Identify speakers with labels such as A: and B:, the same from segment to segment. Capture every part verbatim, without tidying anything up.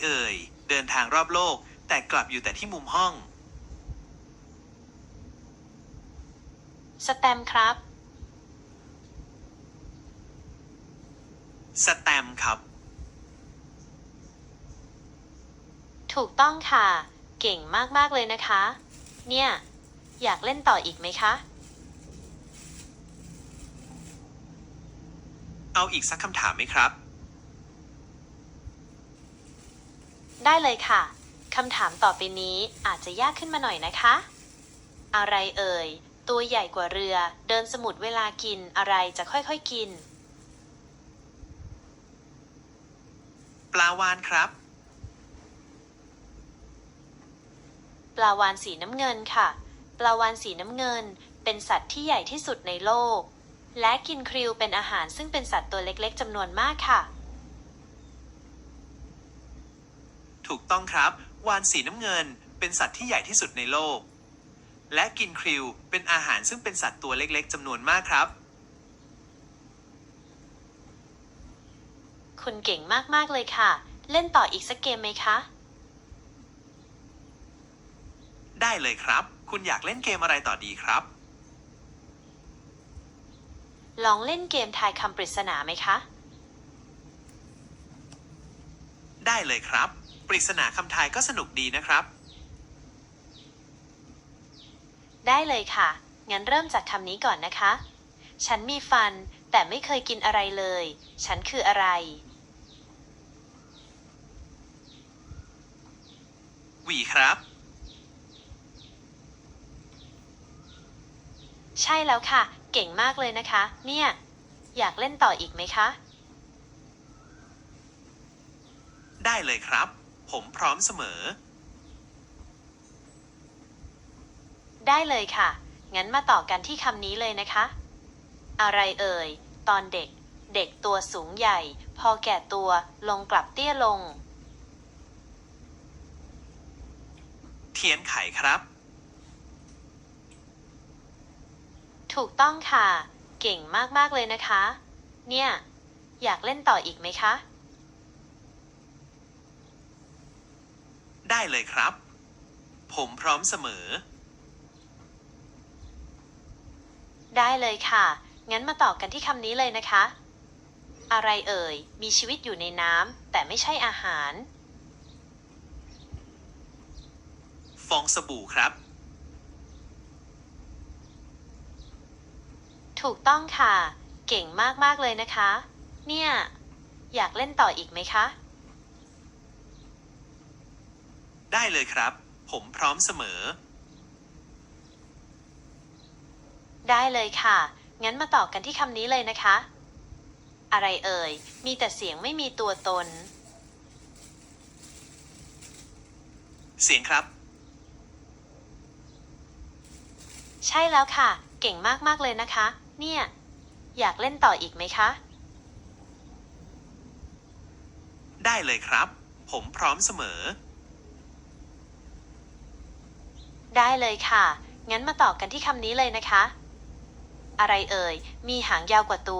A: เอ่ยเดินทางรอบโลกแต่กลับอยู่แต่ที่มุมห้อง
B: สแตมป์ครับ
A: สแตมป์ครับ
B: ถูกต้องค่ะ เก่งมากๆเลยนะคะ เนี่ย อยากเล่นต่ออีกไหมคะ
A: เอาอีกสักคำถามไหมครับ
B: ได้เลยค่ะ คำถามต่อไปนี้อาจจะยากขึ้นมาหน่อยนะคะ อะไรเอ่ย ตัวใหญ่กว่าเรือ เดินสมุทรเวลากินอะไรจะค่อยๆกิน
A: ปลาวาฬครับ
B: ปลาวาฬสีน้ำเงินค่ะ ปลาวาฬสีน้ำเงินเป็นสัตว์ที่ใหญ่ที่สุดในโลก และกินคริวเป็นอาหารซึ่งเป็นสัตว์ตัวเล็กๆจำนวนมากค่ะ
A: ถูกต้องครับวาฬสีน้ำเงินเป็นสัตว์ที่ใหญ่ที่สุดในโลกและกินคริวเป็นอาหารซึ่งเป็นสัตว์ตัวเล็กๆจำนวนมากครับ
B: คุณเก่งมากๆเลยค่ะ เล่นต่ออีกสักเกมไหมคะ
A: ได้เลยครับคุณอยากเล่นเกมอะไรต่อดีครับ
B: ลองเล่นเกมทายคำปริศนาไหมคะ
A: ได้เลยครับปริศนาคำทายก็สนุกดีนะครับ
B: ได้เลยค่ะ งั้นเริ่มจากคำนี้ก่อนนะคะ ฉันมีฟันแต่ไม่เคยกินอะไรเลย ฉันคืออะไร
A: หวีครับ
B: ใช่แล้วค่ะ เก่งมากเลยนะคะ เนี่ย อยากเล่นต่ออีกไหมคะ
A: ได้เลยครับผมพร้อมเสมอ
B: ได้เลยค่ะ งั้นมาต่อกันที่คำนี้เลยนะคะ อะไรเอ่ย ตอนเด็ก เด็กตัวสูงใหญ่ พอแก่ตัวลงกลับเตี้ยลง
A: เทียนไขครับ
B: ถูกต้องค่ะ เก่งมากๆเลยนะคะ เนี่ย อยากเล่นต่ออีกไหมคะ
A: ได้เลยครับ ผมพร้อมเสมอ
B: ได้เลยค่ะ งั้นมาต่อกันที่คำนี้เลยนะคะ อะไรเอ่ย มีชีวิตอยู่ในน้ำแต่ไม่ใช่อาหาร
A: ฟองสบู่ครับ
B: ถูกต้องค่ะ เก่งมากๆเลยนะคะ เนี่ย อยากเล่นต่ออีกไหมคะ
A: ได้เลยครับ ผมพร้อมเสมอ
B: ได้เลยค่ะ งั้นมาต่อกันที่คำนี้เลยนะคะ อะไรเอ่ย มีแต่เสียงไม่มีตัวตน
A: เสียงครับ
B: ใช่แล้วค่ะ เก่งมากๆเลยนะคะ เนี่ย อยากเล่นต่ออีกไหมคะ
A: ได้เลยครับ ผมพร้อมเสมอ
B: ได้เลยค่ะ งั้นมาต่อกันที่คำนี้เลยนะคะ อะไรเอ่ย มีหางยาวกว่าตัว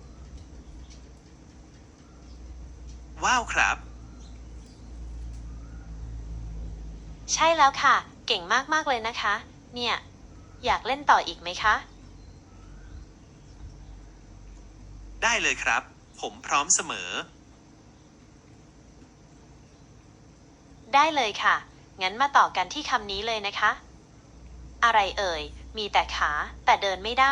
A: ว้าวครับ
B: ใช่แล้วค่ะ เก่งมากๆเลยนะคะ เนี่ย อยากเล่นต่ออีกไหมคะ
A: ได้เลยครับ ผมพร้อมเสมอ
B: ได้เลยค่ะ งั้นมาต่อกันที่คำนี้เลยนะคะ อะไรเอ่ย มีแต่ขาแต่เดินไม่ได้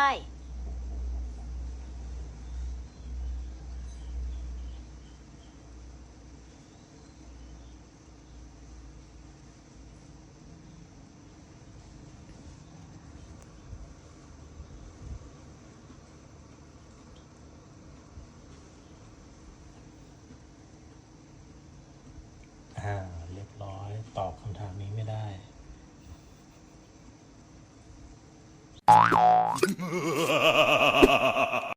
C: อ่าเรียบร้อยตอบคำถามนี้ไม่ได้
D: Ha ha ha ha!